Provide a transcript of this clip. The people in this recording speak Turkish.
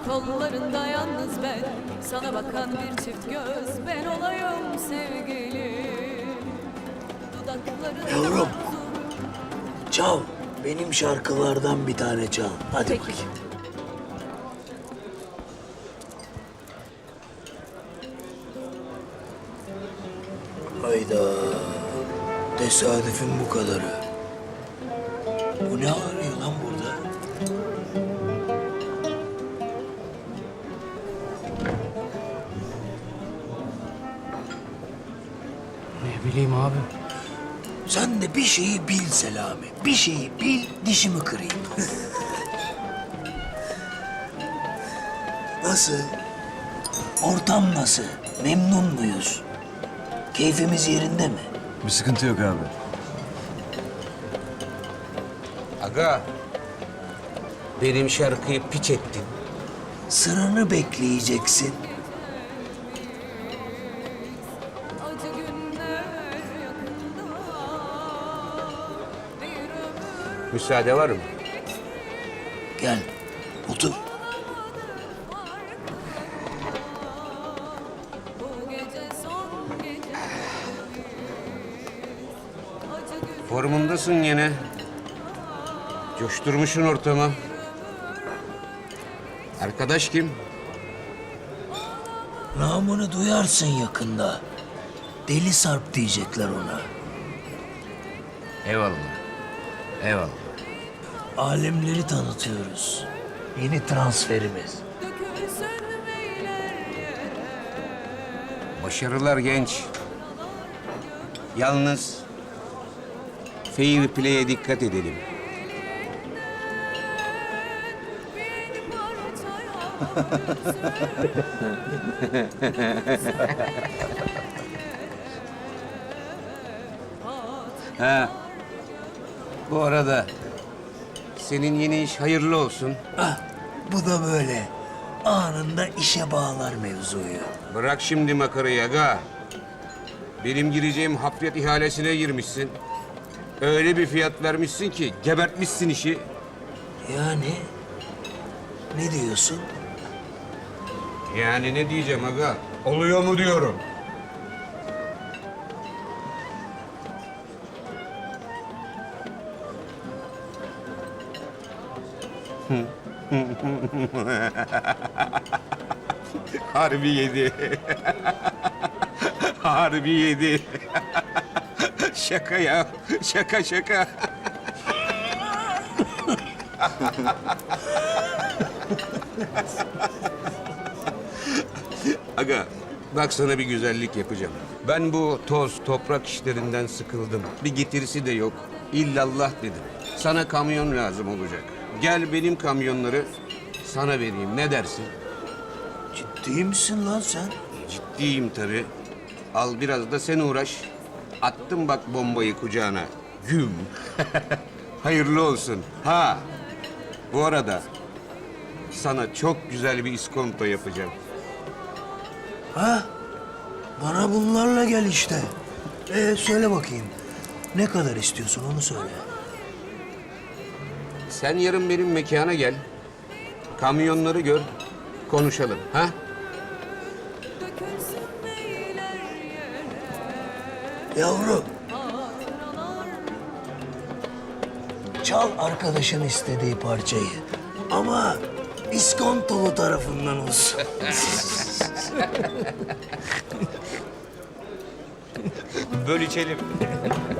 Kollarında yalnız ben, sana bakan bir çift göz, ben olayım sevgilim. Dudaklarında Yavrum, çal. Benim şarkılardan bir tane çal. Hadi Peki. bakayım. Hayda. Tesadüfün bu kadarı. Bu ne arıyor lan burada? Ne bileyim abi. Sen de bir şeyi bil Selami. Bir şeyi bil, dişimi kırayım. Nasıl? Ortam nasıl? Memnun muyuz? Keyfimiz yerinde mi? Bir sıkıntı yok abi. Aga, benim şarkıyı piç ettin. Sıranı bekleyeceksin. acı günler yakında. Bir ömür Müsaade var mı? Gel, otur. bu gece son gece. Acı gün Formundasın yine. Coşturmuşsun ortamı. Arkadaş kim? Namını duyarsın yakında. Deli Sarp diyecekler ona. Eyvallah. Eyvallah. Alemleri tanıtıyoruz. Yeni transferimiz. dökülsün beyler yere. Başarılar genç. Yalnız fair play'e dikkat edelim. Bir parça Ha. Bu arada senin yeni iş hayırlı olsun. Ah, bu da böyle. Anında işe bağlar mevzuyu. Bırak şimdi makarayı aga. Benim gireceğim hafriyat ihalesine girmişsin. Öyle bir fiyat vermişsin ki gebertmişsin işi. Yani ne diyorsun? Yani ne diyeceğim aga? Oluyor mu diyorum. Harbi yedi. Harbi yedi. Şaka ya. Şaka şaka. Aga, bak sana bir güzellik yapacağım. Ben bu toz, toprak işlerinden sıkıldım. Bir getirisi de yok. İllallah dedim. Sana kamyon lazım olacak. Gel benim kamyonları sana vereyim. Ne dersin? Ciddi misin lan sen? Ciddiyim tabii. Al biraz da sen uğraş. Attım bak bombayı kucağına. Güm. Hayırlı olsun. Ha. Bu arada sana çok güzel bir iskonto yapacağım. Ha? Bana bunlarla gel işte. Söyle bakayım. Ne kadar istiyorsun onu söyle. Sen yarın benim mekana gel. Kamyonları gör. Konuşalım. Ha? dökülsün beyler yere. Yavrum, Hatıralar çal arkadaşın istediği parçayı. Ama iskontolu tarafından olsun. Böl içelim.